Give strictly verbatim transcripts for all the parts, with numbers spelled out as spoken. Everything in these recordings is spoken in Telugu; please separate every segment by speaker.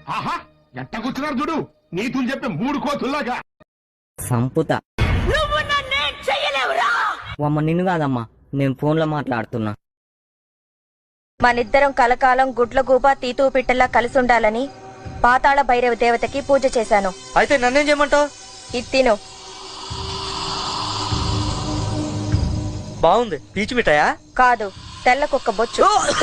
Speaker 1: ఆహా ఎట్ట కూర్చున్నారు చూడు, నీతులు చెప్పే మూడు కోతుల్లాగా.
Speaker 2: సంపుత అమ్మ నిన్ను కాదమ్మా, నేను ఫోన్ లో మాట్లాడుతున్నా.
Speaker 3: మనిద్దరం కలకాలం గుడ్ల గూబ తీతూ పిట్టల్లా కలిసి ఉండాలని పాతాళ భైరవ దేవతకి పూజ చేశాను.
Speaker 2: అయితే నన్నేం చేయమంటావు?
Speaker 3: ఇది తిను.
Speaker 2: బాగుంది. పీచు మిఠాయా?
Speaker 3: కాదు, తెల్ల కుక్క బొచ్చు.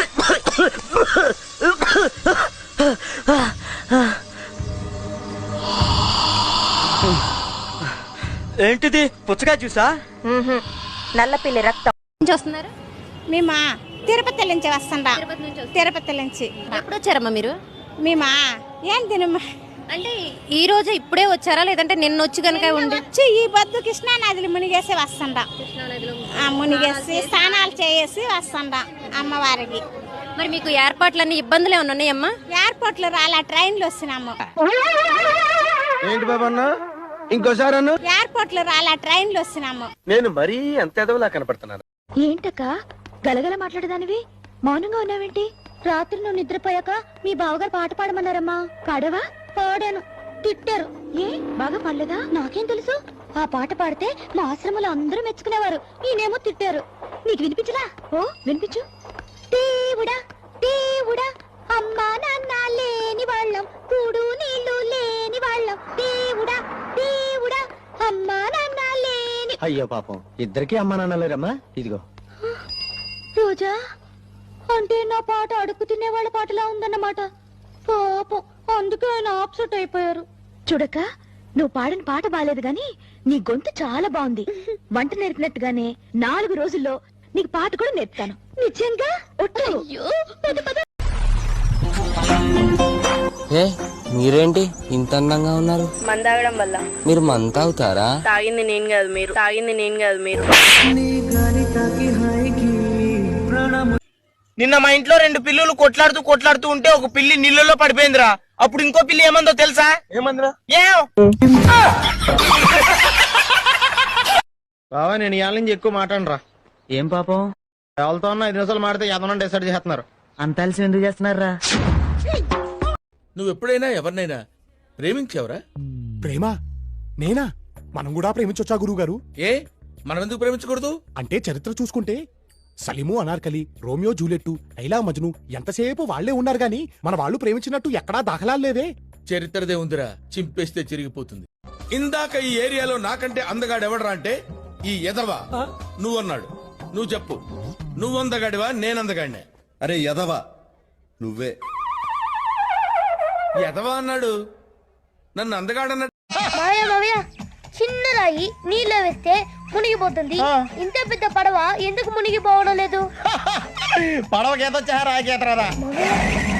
Speaker 2: ఏంటిది? పుచ్చకాయ జ్యూసా?
Speaker 3: నల్లపిల్లి రక్తం.
Speaker 4: వస్తున్నారు
Speaker 5: మేమా తిరుపతి నుంచి వస్తుండా. తిరుపతి నుంచి
Speaker 4: ఎప్పుడు వచ్చారమ్మా మీరు?
Speaker 5: మేమా ఏం తినమ్మా
Speaker 4: అంటే ఈ రోజు ఇప్పుడే వచ్చారా లేదంటే నిన్న వచ్చి కనుక ఉండి
Speaker 5: వచ్చి ఈ బొద్దు కృష్ణా నదిలో మునిగేసి వస్తుండా. మునిగేసి స్నానాలు చేసి వస్తుండా అమ్మవారికి.
Speaker 4: మరి మీకు ఏర్పాట్లన్నీ ఇబ్బందులు ఏమన్నా ఉన్నాయమ్మా?
Speaker 5: ఎయిర్పోర్ట్ లో రాలా, ట్రైన్ లో వస్తున్నాము.
Speaker 6: ఏంటి బాబా అన్న ఇంకోసారి అన్న?
Speaker 5: ఎయిర్పోర్ట్ లో రాలా, ట్రైన్ లో వస్తున్నాము.
Speaker 6: నేను మరీ అంత ఎదవలా కనపడుతున్నాను.
Speaker 7: ఏంటక్క గలగల మాట్లాడదానివి? మౌనంగా ఉన్నావేంటి? రాత్రి నువ్వు నిద్రపోయాక మీ బావగారు పాట పాడమన్నారమ్మా. పాడవా? పాడాను. తిట్టారు. ఏ బాగా పాడలేదా? నాకేం తెలుసు. ఆ పాట పాడితే మా ఆశ్రమంలో అందరూ మెచ్చుకునేవారు. ఈయనేమో తిట్టారు. నీకు వినిపించలా? ఓ వినిపించు. దేవుడా దేవుడా అమ్మా నాన్న లేని వాళ్ళం, కూడు నీళ్లు లేని వాళ్ళం, దేవుడా దేవుడా అమ్మా నాన్న లేని.
Speaker 6: అయ్యో పాపం, ఇద్దరికి అమ్మా నాన్న లేరమ్మా. ఇదిగో
Speaker 7: రోజా అంటే నా పాట అడుగు తినే వాళ్ళ పాటలా ఉందన్నమాట. పాపం, అందుకే ఆయన ఆప్సెట్ అయిపోయారు. చూడక నువ్వు పాడిన పాట బాలేదు గాని నీ గొంతు చాలా బాగుంది. వంట నేర్పినట్టుగానే నాలుగు రోజుల్లో నీకు పాట కూడా నేర్పుతాను. నిజంగా ఒట్టు.
Speaker 2: ఏ మీరేంటి ఇంత అందంగా ఉన్నారు?
Speaker 3: మందాగడం వల్ల.
Speaker 2: మీరు మంత అవుతారా?
Speaker 3: తాగింది నేను కాదు మీరు, తాగింది నేను కాదు మీరు.
Speaker 8: నిన్న మా ఇంట్లో రెండు పిల్లులు కొట్లాడుతూ కొట్లాడుతూ ఉంటే ఒక పిల్లి నీళ్ళలో పడిపోయిందిరా. అప్పుడు ఇంకో పిల్లి ఏమందో తెలుసా?
Speaker 6: ఏమందిరా?
Speaker 8: ఏం
Speaker 6: బావా నేను ఇవాళ నుంచి ఎక్కువ మాట్లాడరా.
Speaker 2: ఏం పాపం?
Speaker 6: ఎవరితో ఉన్నా ఐదు నిమిషాలు మాడితే ఎదనం డిసైడ్ చేస్తున్నారు.
Speaker 2: అంత అలసి ఎందుకు చేస్తున్నారా?
Speaker 9: నువ్వు ఎప్పుడైనా ఎవరినైనా ప్రేమించావురా?
Speaker 1: ప్రేమ నేనా? మనం కూడా ప్రేమించొచ్చా గురువు గారు?
Speaker 9: ఏ మనం ఎందుకు ప్రేమించకూడదు?
Speaker 1: అంటే చరిత్ర చూసుకుంటే సలీము అనార్కలి, రోమియో జూలియట్, లైలా మజ్ను ఎంతసేపు వాళ్లే ఉన్నారు గాని మన వాళ్ళు ప్రేమించినట్టు ఎక్కడా దాఖలాలు లేవే.
Speaker 9: చరిత్రదే ఉందిరా, చింపేస్తే చిరిగిపోతుంది. ఇందాక ఈ ఏరియాలో నాకంటే అందగాడు ఎవడరా అంటే ఈ ఎదవా నువ్వన్నాడు. నువ్వు చెప్పు, నువ్వు అందగాడివా నేనందగాడినే?
Speaker 10: అరే యదవా నువ్వే.
Speaker 9: ఎదవా అన్నాడు, నన్ను అందగాడన్నాడు.
Speaker 7: చిన్న రాయి నీళ్ళ వేస్తే మునిగిపోతుంది. ఇంత పెద్ద పడవ ఎందుకు మునిగిపోవడం లేదు?
Speaker 6: పడవకేతో రాకేతరా